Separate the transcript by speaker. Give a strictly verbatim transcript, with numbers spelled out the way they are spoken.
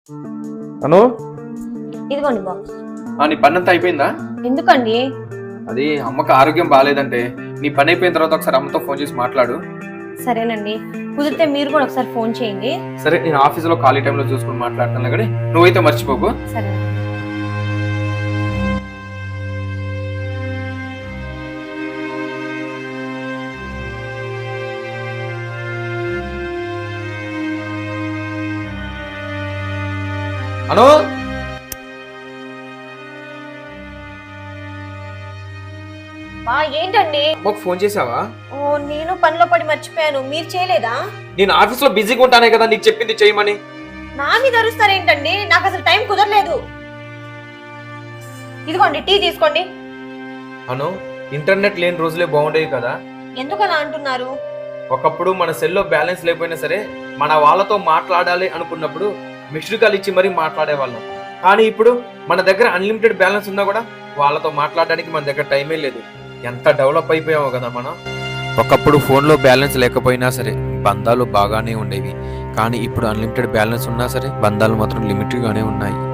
Speaker 1: అను
Speaker 2: ఇదిగోండి బాక్స్.
Speaker 1: ఆ, నీ పని అంతా అయిపోయిందా?
Speaker 2: ఎందుకండి?
Speaker 1: అది అమ్మకి ఆరోగ్యం బాగాలేదంటే నీ పని అయిపోయిన తర్వాత ఒకసారి అమ్మతో ఫోన్ చేసి మాట్లాడు.
Speaker 2: సరేనండి, కుదిరితే మీరు కూడా ఒకసారి ఫోన్ చేయండి.
Speaker 1: సరే, నేను ఆఫీసులో ఖాళీ టైంలో చూసుకుని మాట్లాడతాను కానీ నువ్వైతే మర్చిపోకు.
Speaker 2: సరే.
Speaker 1: అను
Speaker 2: బా ఏంటండి?
Speaker 1: అమ్మకు ఫోన్ చేసావా?
Speaker 2: ఓ, నేను పనిలో పడి మర్చిపోయాను. మీరు చేయలేదా?
Speaker 1: నేను ఆఫీస్ లో బిజీగా ఉంటానే కదా నీకు చెప్పింది చేయమని.
Speaker 2: నా మీద అరుస్తారేంటండి? నాకు అసలు టైం కుదరలేదు. ఇదిగోండి టీ తీసుకోండి.
Speaker 1: అను, ఇంటర్నెట్ లేని రోజులే బాగుండేవి కదా.
Speaker 2: ఎందుకు అలా అంటున్నారు?
Speaker 1: ఒకప్పుడు మన సెల్లో బ్యాలెన్స్ లేకపోయినా సరే మన వాళ్ళతో మాట్లాడాలి అనుకున్నప్పుడు మిస్డ్ కాల్ ఇచ్చి మరీ మాట్లాడే వాళ్ళం. కానీ ఇప్పుడు మన దగ్గర అన్లిమిటెడ్ బ్యాలెన్స్ ఉన్నా కూడా వాళ్ళతో మాట్లాడడానికి మన దగ్గర టైమే లేదు. ఎంత డెవలప్ అయిపోయామో కదా మనం. ఒకప్పుడు ఫోన్లో బ్యాలెన్స్ లేకపోయినా సరే బంధాలు బాగానే ఉండేవి, కానీ ఇప్పుడు అన్లిమిటెడ్ బ్యాలెన్స్ ఉన్నా సరే బంధాలు మాత్రం లిమిట్గానే ఉన్నాయి.